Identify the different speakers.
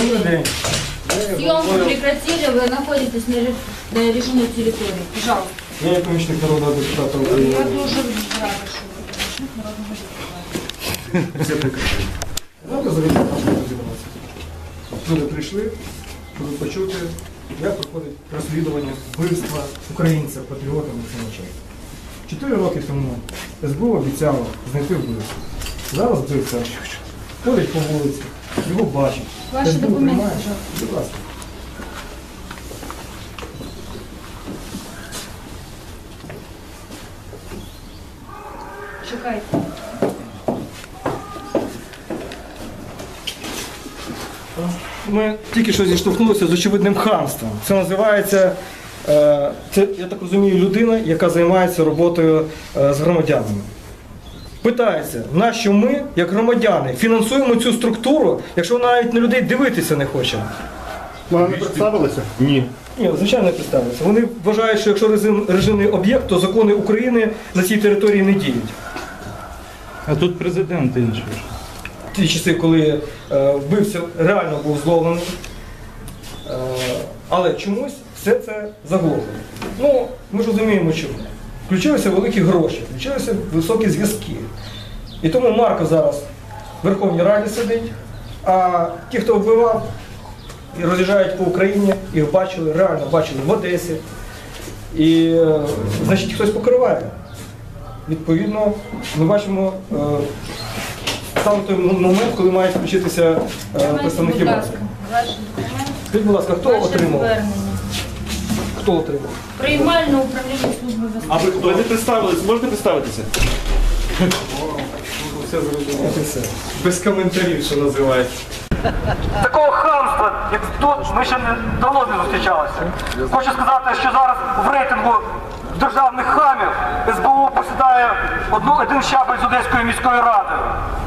Speaker 1: Добрый день.
Speaker 2: Съемку прекратили, вы находитесь на режимной территории. Пожалуйста.
Speaker 1: Я помощник народного депутата Украины.
Speaker 2: Я тоже рада, что вы помощник народного депутата.
Speaker 1: Все прекрасно. Давайте завітати нашого розібратися. Люди прийшли, щоб почути, як проходить розслідування вбивства українця, патріота Максимовича. 4 роки тому СБУ обіцяло знайти вбивцю. Зараз вбивця ходить по вулиці, його бачить.
Speaker 2: Ваші
Speaker 1: СБУ
Speaker 2: документи,
Speaker 1: приймає.
Speaker 2: пожалуйста.
Speaker 1: Будь ласка.
Speaker 2: Чекайте.
Speaker 1: Ми тільки що зіштовхнулися з очевидним хамством. Це називається, це, я так розумію, людина, яка займається роботою з громадянами. Питається, нащо ми, як громадяни, фінансуємо цю структуру, якщо вона навіть на людей дивитися не хоче?
Speaker 3: Вони не представилися?
Speaker 1: Ні, звичайно, не представляється. Вони вважають, що якщо режимний об'єкт, то закони України на цій території не діють.
Speaker 4: А тут президент інший.
Speaker 1: Ті часи, коли вбивця реально був зловлений, але чомусь все це заглохло. Ну, ми ж розуміємо чому. Включилися великі гроші, включилися високі зв'язки. І тому Марко зараз в Верховній Раді сидить, а ті, хто вбивав, і роз'їжджають по Україні, їх бачили, реально бачили в Одесі. І, значить, хтось покриває. Відповідно, ми бачимо саме той момент, коли мають включитися представники
Speaker 2: Будь
Speaker 1: влади.
Speaker 2: ласка, ваші документи.
Speaker 1: Скажіть, будь ласка, хто
Speaker 2: Ваше
Speaker 1: отримав?
Speaker 2: звернення.
Speaker 1: Хто отримав?
Speaker 2: Приймальне управління служби безпеки.
Speaker 3: А ви хто? Ви не представились? Можете представитися?
Speaker 1: Все зрозуміло. Все. Без коментарів, що називається. Такого хамства, як тут, ми ще давно не зустрічалися. Хочу сказати, що зараз в рейтингу державних хамів СБУ посідає один щабель з Одеської міської ради.